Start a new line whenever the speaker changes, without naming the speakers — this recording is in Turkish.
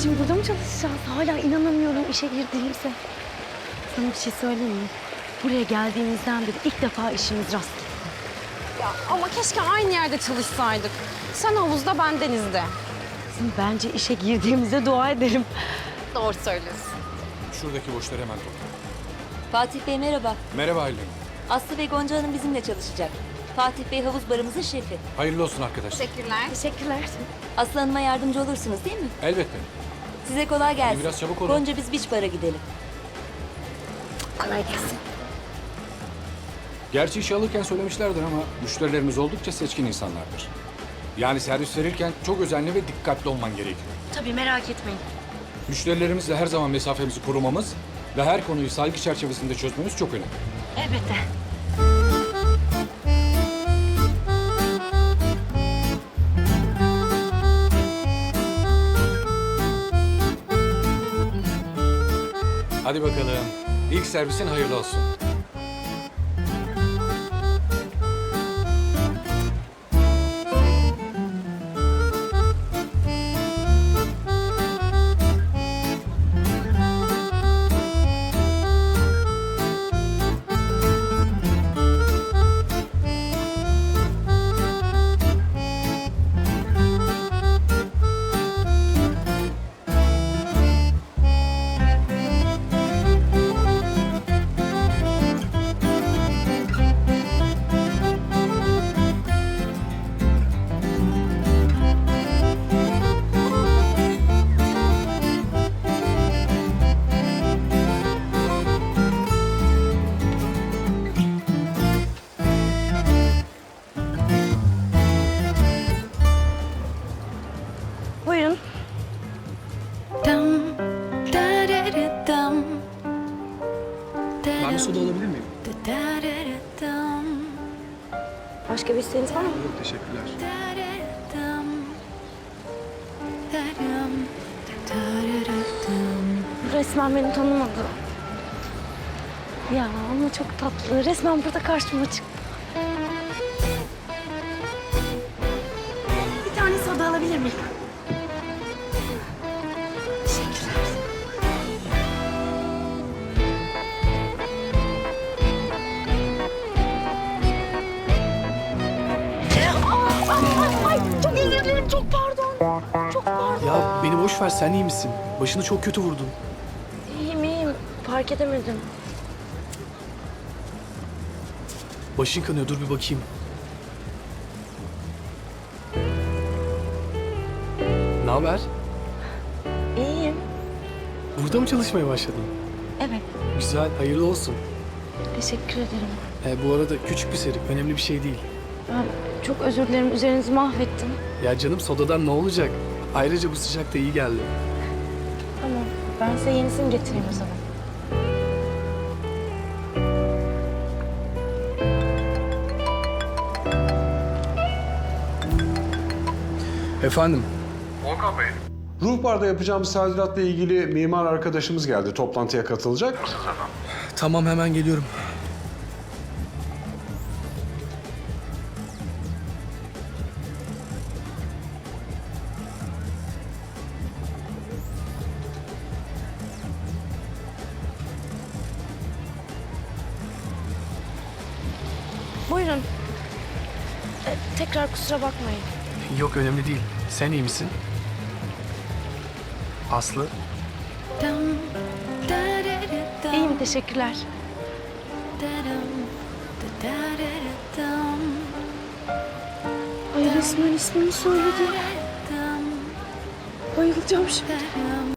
Şimdi burada mı çalışacağız? Hala inanamıyorum işe girdiğimize. Sana bir şey söyleyeyim mi? Buraya geldiğimizden beri ilk defa işimiz rast gitti.
Ya ama keşke aynı yerde çalışsaydık. Sen havuzda, ben denizde.
Kızım, bence işe girdiğimize dua edelim.
Doğru söylüyorsun.
Şuradaki boşları hemen topla.
Fatih Bey merhaba.
Merhaba Aylin.
Aslı ve Gonca Hanım bizimle çalışacak. Fatih Bey havuz barımızın şefi.
Hayırlı olsun arkadaşlar.
Teşekkürler.
Teşekkürler.
Aslı Hanım'a yardımcı olursunuz değil mi?
Elbette.
Size kolay gelsin.
Biraz çabuk olun.
Gonca biz beach bara gidelim.
Kolay gelsin.
Gerçi işe alırken söylemişlerdir ama müşterilerimiz oldukça seçkin insanlardır. Yani servis verirken çok özenli ve dikkatli olman gerekiyor.
Tabii, merak etmeyin.
Müşterilerimizle her zaman mesafemizi korumamız ve her konuyu saygı çerçevesinde çözmemiz çok önemli.
Elbette.
Hadi bakalım. İlk servisin hayırlı olsun.
Buyurun.
Ben bir soda alabilir miyim?
Başka bir isteğiniz var mı?
Yok, teşekkürler.
Resmen beni tanımadı. Ya ama çok tatlı. Resmen burada karşıma çıktı. Bir tane soda alabilir miyim? Teşekkürler. Ay, çok özür dilerim. Çok pardon. Çok pardon.
Ya beni boş ver, sen iyi misin? Başını çok kötü vurdun.
İyiyim, iyiyim. Fark edemedim.
Başın kanıyor, dur bir bakayım. Ne haber?
İyiyim.
Burada mı çalışmaya başladın?
Evet.
Güzel, hayırlı olsun.
Teşekkür ederim.
Bu arada küçük bir serik, önemli bir şey değil.
Ben çok özür dilerim. Üzerinizi mahvettim.
Ya canım, sodadan ne olacak? Ayrıca bu sıcakta iyi geldi.
Tamam. Ben size yenisini getireyim o zaman.
Efendim?
Volkan Bey. Ruh Bar'da yapacağımız tadilatla ilgili mimar arkadaşımız geldi. Toplantıya katılacak.
Tamam, hemen geliyorum.
Buyurun. Tekrar kusura bakmayın.
Yok, önemli değil. Sen iyi misin? Aslı?
İyiyim, teşekkürler. Ay, resmen ismini söyledi. Bayılacağım şimdi.